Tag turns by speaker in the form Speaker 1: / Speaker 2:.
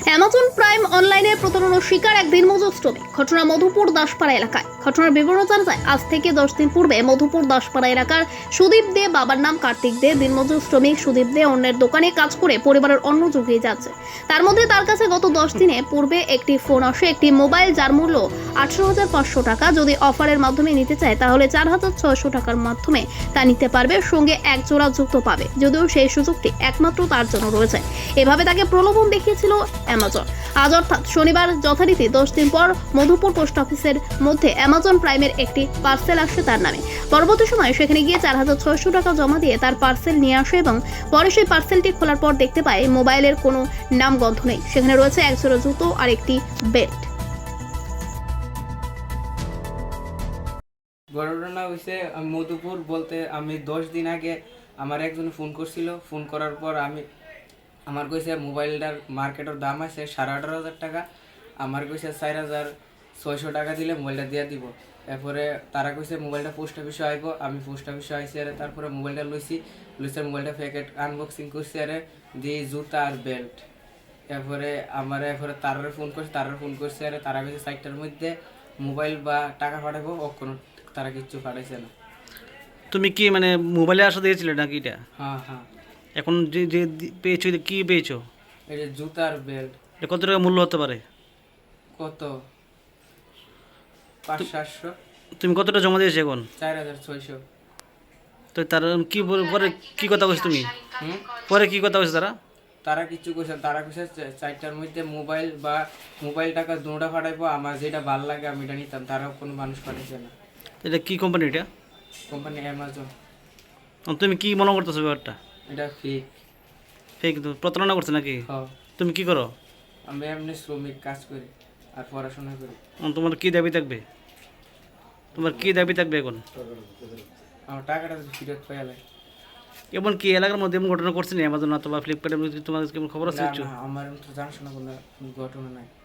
Speaker 1: Amazon prime অনলাইনে প্রতারণার শিকার এক দিনমজুর শ্রমিক। ঘটনা মধুপুর দাসপাড়া এলাকায়। ঘটনার বিবরণ জানা যায়, আজ থেকে 10 দিন পূর্বে মধুপুর দাসপাড়া এলাকার সুদীপ দে, বাবার নাম কার্তিক দে, দিনমজুর শ্রমিক সুদীপ দে অন্যের দোকানে কাজ করে পরিবারের অন্ন জুগিয়ে যাচ্ছে। তার মধ্যে তার কাছে গত 10 দিনে পূর্বে একটি ফোন আসে, একটি মোবাইল যার মূল্য 18,500 টাকা। যদি অফারের মাধ্যমে নিতে চায় তাহলে 4,600 টাকার মাধ্যমে তা নিতে পারবে, সঙ্গে এক জোড়া জুতো পাবে। যদিও সেই সুযোগটি একমাত্র তার জন্য রয়েছে। এভাবে তাকে প্রলোভন দেখিয়েছিল অ্যামাজন। আজ অর্থাৎ শনিবার যথারীতি 10 দিন পর মধুপুর পোস্ট অফিসের মধ্যে অ্যামাজন প্রাইমের একটি পার্সেল আসে তার নামে। পরবর্তী সময়ে সেখানে গিয়ে 4,600 টাকা জমা দিয়ে তার পার্সেল নিয়ে আসে এবং পরে সেই পার্সেলটি খোলার পর দেখতে পায় মোবাইলের কোনো নামগন্ধ নেই। সেখানে রয়েছে এক জোড়া জুতো আর একটি বেল্ট।
Speaker 2: ঘটনা হয়েছে মধুপুর বলতে আমি 10 দিন আগে আমার একজন ফোন করছিল। ফোন করার পর আমার কইছে মোবাইলটার মার্কেটের দাম আছে 18,500 টাকা। আমার কইছে 4,600 টাকা দিলে মোবাইলটা দিয়ে দিব। এরপরে তারা কইছে মোবাইলটা পোস্ট অফিসে আইব। আমি পোস্ট অফিসে আইসি, আর তারপরে মোবাইলটা লইছি। মোবাইলটা প্যাকেট আনবক্সিং করছি, আর দিয়ে জুতা আর বেল্ট। এরপরে তারারে ফোন করছি, আর তারা কইছে 4টার মধ্যে মোবাইল বা টাকা পাঠাবো। কোনো তারা কিচ্ছু পাঠাইছে না।
Speaker 3: তুমি কি মানে মোবাইলে আসা দিয়েছিলে নাকি এটা?
Speaker 2: হ্যাঁ হ্যাঁ,
Speaker 3: এখন যে যে পেয়েছো এটা কি পেয়েছো?
Speaker 2: এই যে জুতা আর বেল্ট।
Speaker 3: এটা কত টাকা মূল্য হতে পারে?
Speaker 2: কত? 500-700।
Speaker 3: তুমি কতটা জমা দিয়েছো এখন?
Speaker 2: 4,600।
Speaker 3: তো তারা কি পরে কি কথা কইছো তুমি? পরে কি কথা কইছো তারা?
Speaker 2: তারা কিছু কইছে, তারা কইছে 4টার মধ্যে মোবাইল টাকা দুটা পাঠাইবো। আমার যেটা ভালো লাগে আমি এটা নিতাম। তারাও কোনো মানুষ পাঠাইছে না।
Speaker 3: এটা কি কোম্পানি এটা?
Speaker 2: Company Amazon.
Speaker 3: তুমি কি মনে করতেছো ব্যাপারটা?
Speaker 2: এটা ফেক।
Speaker 3: ফেক প্রতারণা করছে নাকি?
Speaker 2: হ্যাঁ,
Speaker 3: তুমি কি করো?
Speaker 2: আমি এমনি শ্রমিক, কাজ করি আর পড়াশোনা করি।
Speaker 3: তোমার কি দাবি থাকবে? তোমার কি দাবি থাকবে এখন?
Speaker 2: আমার টাকাটা ফেরত পাই লাগে।
Speaker 3: এমন কি এলাকার মধ্যে এমন ঘটনা করছে না অ্যামাজন অথবা ফ্লিপকার্টের মধ্যে? তোমার কেমন খবর আছে?
Speaker 2: না, আমার তো জানাশোনা কোনো ঘটনা নাই।